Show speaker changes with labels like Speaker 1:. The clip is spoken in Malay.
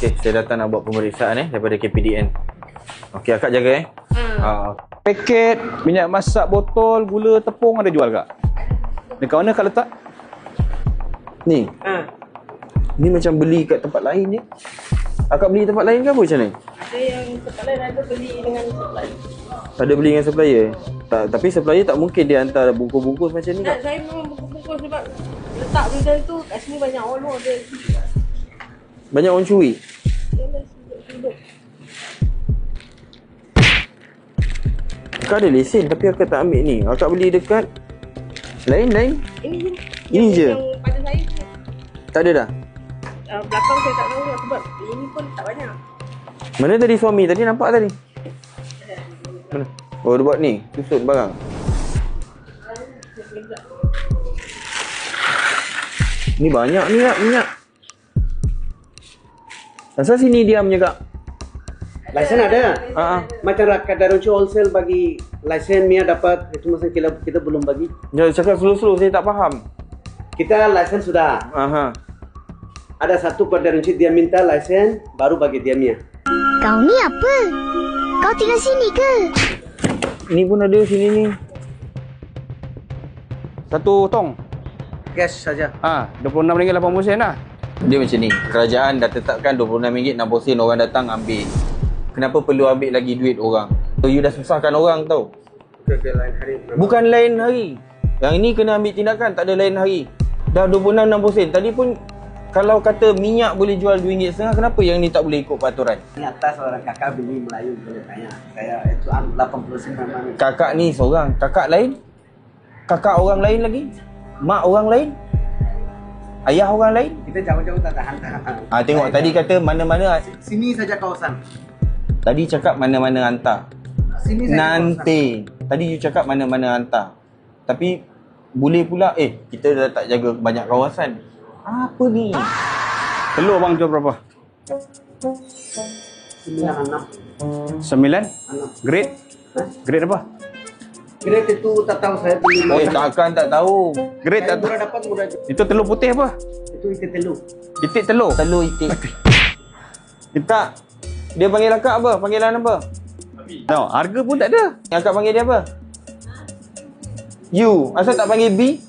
Speaker 1: Okey, saya datang nak buat pemeriksaan daripada KPDN. Okey, akak jaga
Speaker 2: Paket minyak masak botol, gula, tepung ada jual kak? Dekat mana kak letak?
Speaker 1: Ni. Ni macam beli kat tempat lain je. Akak beli tempat lain ke apa macam ni?
Speaker 3: Ada yang tempat lain ada beli dengan supplier.
Speaker 1: Ada beli dengan supplier? Tak, tapi supplier tak mungkin dia hantar bungkus-bungkus macam ni kak.
Speaker 3: Saya memang bungkus-bungkus sebab letak benda tu kat sini banyak orang dia.
Speaker 1: Banyak orang curi.
Speaker 3: Sudut-sudut.
Speaker 1: Akak ada lesen tapi akak tak ambil ni. Akak beli dekat lain-lain.
Speaker 3: Ini je.
Speaker 1: Ini je?
Speaker 3: Yang pada saya ni.
Speaker 1: Tak ada dah.
Speaker 3: Belakang saya tak tahu lah sebab ini pun tak banyak.
Speaker 1: Mana tadi suami? Tadi nampak tadi? Mana? Oh, dia buat ni. Tusuk barang. Ni banyak ni kak, minyak. Asal sini diamnya kak?
Speaker 4: Lesen ada.
Speaker 1: Macam
Speaker 4: Masyarakat Darunci Wholesale bagi lesen Mia dapat, itu masa kita belum bagi.
Speaker 1: Jangan cakap slow-slow, saya tak faham.
Speaker 4: Kita lesen sudah. Ada satu kod Darunci dia minta lesen baru bagi dia Mia.
Speaker 5: Kau ni apa? Kau tinggal sini ke?
Speaker 1: Ni pun ada sini ni.
Speaker 2: Satu tong.
Speaker 4: Cash saja.
Speaker 2: RM26.80 lah.
Speaker 1: Dia macam ni, kerajaan dah tetapkan RM26.60 orang datang ambil. Kenapa perlu ambil lagi duit orang? So, you dah susahkan orang tau.
Speaker 4: Lain hari.
Speaker 1: Bukan lain hari. Yang ini kena ambil tindakan, tak ada lain hari. Dah RM26.60. Tadi pun kalau kata minyak boleh jual RM2.50, kenapa yang ni tak boleh ikut peraturan?
Speaker 4: Ini atas orang kakak beli Melayu boleh tanya. Saya itu 89 mana.
Speaker 1: Kakak ni seorang, kakak lain? Kakak orang lain lagi? Mak orang lain? Ayah orang lain?
Speaker 4: Kita jauh-jauh tak tahan.
Speaker 1: Tengok tadi kata mana-mana.
Speaker 4: Sini saja kawasan.
Speaker 1: Tadi cakap mana-mana hantar.
Speaker 4: Sini saja
Speaker 1: Nanti. Tadi you cakap mana-mana hantar. Tapi boleh pula kita dah tak jaga banyak kawasan. Apa ni?
Speaker 2: Telur bang jual berapa?
Speaker 4: 96.
Speaker 2: 9? Grade? Grade apa?
Speaker 4: Grade itu tak tahu saya beli.
Speaker 1: Takkan tak tahu.
Speaker 2: Grade tak tahu.
Speaker 4: Murah dapat murah.
Speaker 2: Itu telur putih apa?
Speaker 4: Itu itik telur.
Speaker 2: Itik telur?
Speaker 1: Telur itik. Tak. Dia panggil akak apa? Panggilan apa?
Speaker 2: No, harga pun tak ada.
Speaker 1: Yang akak panggil dia apa? You. Asal tak panggil B?